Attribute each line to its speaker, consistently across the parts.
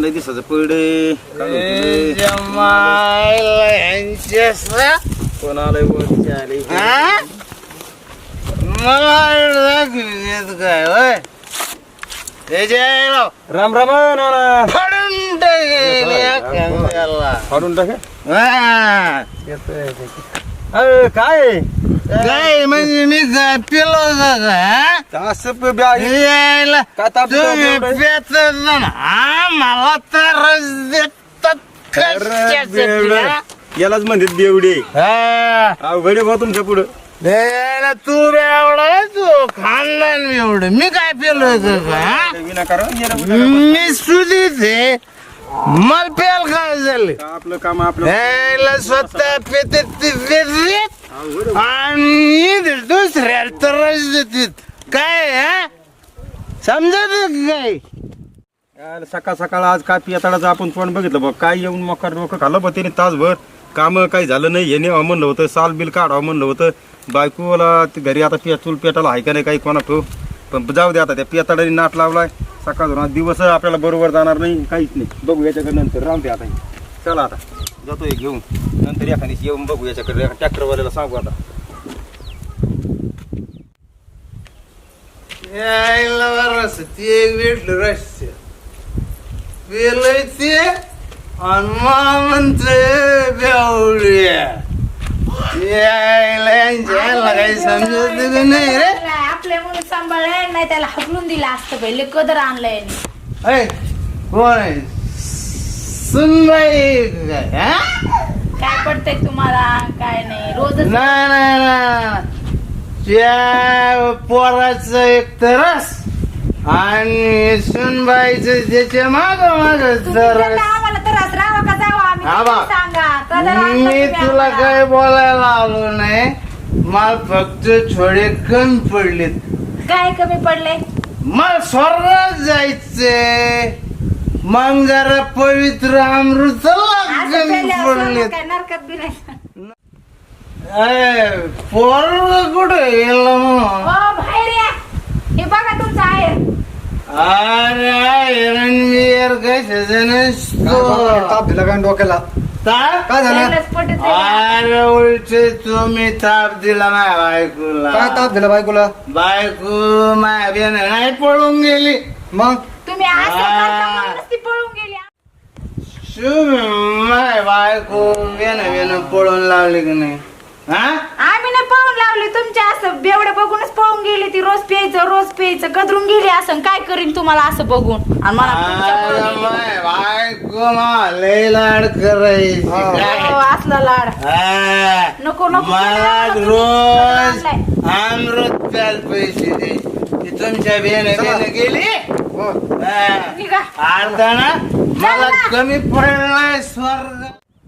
Speaker 1: लय दिसाचं पडे कोण आलंय वर आले
Speaker 2: मला काय होय
Speaker 1: राम राम नाना
Speaker 2: फाडून टाकेल
Speaker 1: फाडून टाके
Speaker 2: हा
Speaker 1: काय
Speaker 2: काय म्हणजे मी काय पिलो का
Speaker 1: असं यायला काय ताप
Speaker 2: तुम्ही पेत ना मला तर
Speaker 1: यालाच म्हणतात बेवडे
Speaker 2: हा
Speaker 1: अवघड भाऊ तुमच्या पुढं
Speaker 2: तू एवढा तू खानदान एवढं मी काय पेलोय का
Speaker 1: विनाकारण
Speaker 2: मी सुधीच आहे मला पेल काय झालं
Speaker 1: आपलं काम आपलं
Speaker 2: यायला स्वतः पेते आणि दुसऱ्याला त्रास देतात काय हा समजत काय
Speaker 1: सकाळ सकाळ आज काय पियाताडाचं आपण तोंड बघितलं बघ काय येऊन मकर डोकं खाल्लं बघ त्याने तासभर काम काही झालं नाही हे नेवा म्हणलं होतं साल बिल काढावं म्हणलं होतं बायकोला घरी आता चूल पेटाला आहे का नाही काही कोणा ठेव पण जाऊ दे आता त्या पियाताडाने नाट लावलाय सकाळ धरून दिवस आपल्याला बरोबर जाणार नाही काहीच नाही बघू याच्याकडे नंतर राहून दे आता चला आता जातोय घेऊन नंतर एखादी येऊन बघू याच्याकडे ट्रॅक्टरवाल्याला सांगू आता
Speaker 2: यायला रस ते एक भेटलं रस पेलय ते आणि मला म्हणतोय बेवड्या यायला यांच्या काही समजत नाही रे
Speaker 3: आपल्या म्हणून सांभाळलंय नाही त्याला हकलून दिला असतं पहिले कदर आणलंय
Speaker 2: अय कोण आहे सुनबाई काय हा
Speaker 3: काय पडतंय तुम्हाला काय नाही रोज
Speaker 2: नाही त्या पोराचं एक तरस आणि सुनबाईचं त्याच्या माग
Speaker 3: आम्हाला त्रास राहावा का जावा आम्ही सांगा कदर आणलं
Speaker 2: मी
Speaker 3: तुम्ही
Speaker 2: तुला
Speaker 3: आम्हाला.
Speaker 2: काही बोलायला आलो नाही मला फक्त थोडे कमी पडलेत
Speaker 3: काय कमी पडले
Speaker 2: मला स्वर्गात जायचंय मग जरा पवित्र अमृत
Speaker 3: असं
Speaker 2: कमी
Speaker 3: पेल्यावर
Speaker 2: पडलेत
Speaker 3: काय नरकात बी नाही
Speaker 2: पोर कुठे गेलं मग
Speaker 3: हो बाहेर या हे बघा तुमचं आहे
Speaker 2: अरे रणवीर कशाचं नसतो
Speaker 1: ताप दिला का डोक्याला
Speaker 2: ताप
Speaker 1: काय झालं
Speaker 3: त्यालाच पटत नाही.
Speaker 2: अरे उलटे तुम्ही ताप दिला माझ्या बायकोला
Speaker 1: काय ताप दिला बायकोला
Speaker 2: बायको माझ्या बेन नाही पळून गेली
Speaker 1: मग
Speaker 3: तुम्ही असं करता म्हणूनच ती पळून गेली
Speaker 2: माझ्या बायको बेन पळून लावली की नाही हा
Speaker 3: आम्ही नाही पळून लावली तुमच्या असं बेवडे बघूनच पळून गेली ती रोज प्यायचं गदरून गेली असं काय करीन तुम्हाला असं बघून आणि मला तुमच्या
Speaker 2: माझ्या बायको मला लय लाड करायची
Speaker 3: हो, असला लाड
Speaker 2: हा.
Speaker 3: नको नको
Speaker 2: मला
Speaker 3: तुम्ही
Speaker 2: रोज
Speaker 3: आणलंय.
Speaker 2: अमृत प्याल पैसे दे ती तुमच्या बेन गेली हा.
Speaker 3: निघा.
Speaker 2: अर्धा ना मला
Speaker 3: ना.
Speaker 2: कमी पडलाय स्वर्ग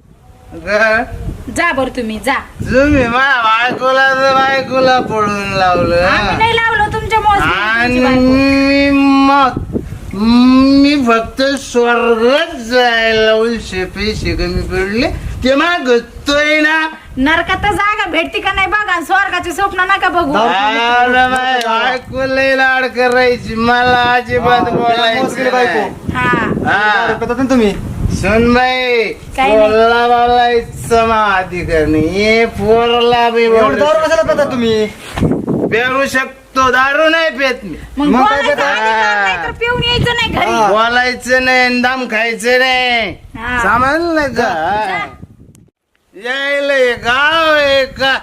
Speaker 3: जा बर तुम्ही जा
Speaker 2: तुम्ही माझ्या बायकोला पळून लावलं
Speaker 3: आम्ही नाही लावलं तुमच्या
Speaker 2: आणि
Speaker 3: मोज
Speaker 2: मग मी फक्त स्वर्गात जायला उलशे पैसे कमी पडले ते मागतोय ना
Speaker 3: नरकात तर जागा भेटती का नाही बघा स्वर्गाचे स्वप्न नका बघू
Speaker 2: बायको लय लाड करायची मला अजिबात बोलायची
Speaker 1: बायको.
Speaker 2: हा
Speaker 1: तुम्ही
Speaker 2: सुनबाई
Speaker 3: काय नाही.
Speaker 2: पोरला बोलायचं अधिकार नाही हे पोरला बी बोलू
Speaker 1: कशाला तुम्ही
Speaker 2: पेरू शकतो दारू नाही पेत मी
Speaker 3: मग
Speaker 1: मग काय
Speaker 3: बोलायचं अधिकार नाही तर पिऊन यायचं नाही घरी
Speaker 2: बोलायचं नाही दम खायचं नाही
Speaker 3: हा.
Speaker 2: समजलं का यायला हे गाव आहे का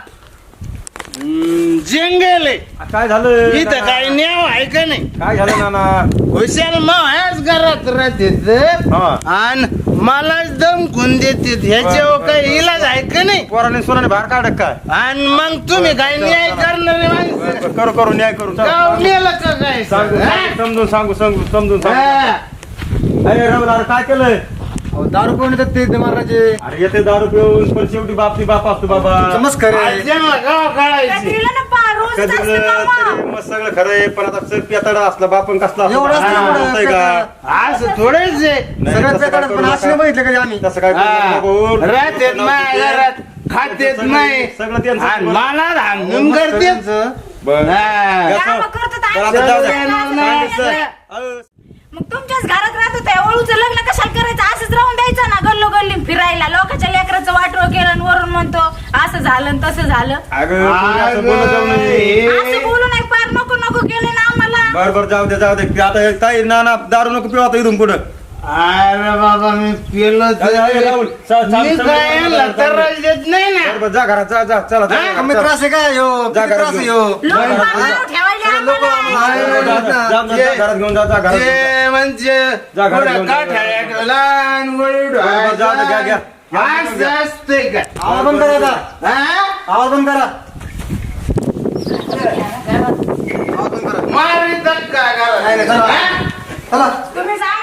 Speaker 2: जंगल आहे
Speaker 1: काय झालं
Speaker 2: इथं काही न्याव आहे का नाही
Speaker 1: काय झालं नाना
Speaker 2: हुशार मग घरात राहते
Speaker 1: हा.
Speaker 2: आणि मलाच दमकून देते ह्याच्यावर काही इलाज आहे का नाही
Speaker 1: पोराने सोनाने बाहेर काढ काय
Speaker 2: आणि मग तुम्ही काय न्याय करणारे माणसं
Speaker 1: करू न्याय करू
Speaker 2: गाव नेलं का काय
Speaker 1: समजून समजून
Speaker 2: हा.
Speaker 1: अरे रवलार काय केलंय
Speaker 4: दारू पिऊन येतात ते महाराजे.
Speaker 1: अरे येते दारू पिऊन पण शेवटी बाप असतो बाबा
Speaker 4: नमस्कार आहे.
Speaker 2: ज्यांना गाव काढायची
Speaker 3: कधीला ना पा रोज
Speaker 1: कधी मग सगळं खरं आहे पण आता सर पियाताडा असला बापन कसला असतो?
Speaker 4: एवढं असतं
Speaker 1: हा,
Speaker 4: एवढं
Speaker 1: होतंय का
Speaker 2: असं थोडेच आहे
Speaker 1: नाही,
Speaker 4: सगळ्यात
Speaker 1: तसं काय
Speaker 4: बेकार
Speaker 1: करू
Speaker 4: पण
Speaker 1: नका.
Speaker 4: असं नाही बघितलं कधी आम्ही.
Speaker 1: तसं काय करू नका भाऊ.
Speaker 2: राहतेत माझ्या घरात खातेत नाही
Speaker 1: सगळं त्यांचं.
Speaker 2: आणि मला धामधूम करतेत
Speaker 1: बरं.
Speaker 2: हा.
Speaker 1: कसं?
Speaker 3: कामं करतात
Speaker 1: बरं,
Speaker 3: आम्ही
Speaker 1: आता जाऊ
Speaker 2: सगळं
Speaker 1: द्या.
Speaker 2: येणार नाही.
Speaker 1: अहो,
Speaker 3: मग तुमच्याच घरात राहत होते ओळूचं लग्न कशाला करायचं असंच राहून द्यायचं ना गल्लो गल्ली फिरायला लोकांच्या लेकराचं वाटोळ केलं आणि वरून म्हणतो असं झालं आणि तसं झालं
Speaker 1: अगं पोरी, असं बोलत जाऊ नये.
Speaker 3: असं बोलू नाही पार नको नको केलं ना आम्हाला
Speaker 1: बरं जाऊ दे आता ताई ना दारू नको पिऊ आता इथून पुढं
Speaker 2: अरे बाबा मी पेलो
Speaker 1: अरे, अरे, राहुल,
Speaker 2: मी काय यांना त्रास देत नाही ना
Speaker 1: बरं, जा घरात जा चला
Speaker 4: कमी त्रास आहे काय हो
Speaker 1: जा
Speaker 4: किती त्रास आहे हो
Speaker 3: लोक पार ठेवायला आम्हाला.
Speaker 1: घरात घेऊन जा घरात घेऊन जा.
Speaker 2: ते म्हणजे
Speaker 1: जा घरात
Speaker 2: पुढं
Speaker 1: घेऊन जा.
Speaker 2: काठाळ्या ठेवला आणि वळू
Speaker 1: बरं, जा, घ्या, घ्या.
Speaker 2: असं असतंय का
Speaker 4: आवाज बंद करा आता.
Speaker 2: हा?
Speaker 4: आवाज बंद करा
Speaker 2: मारी धक्का
Speaker 4: नाही, नाही, चला.
Speaker 2: हा?
Speaker 4: चला
Speaker 3: तुम्ही सांगा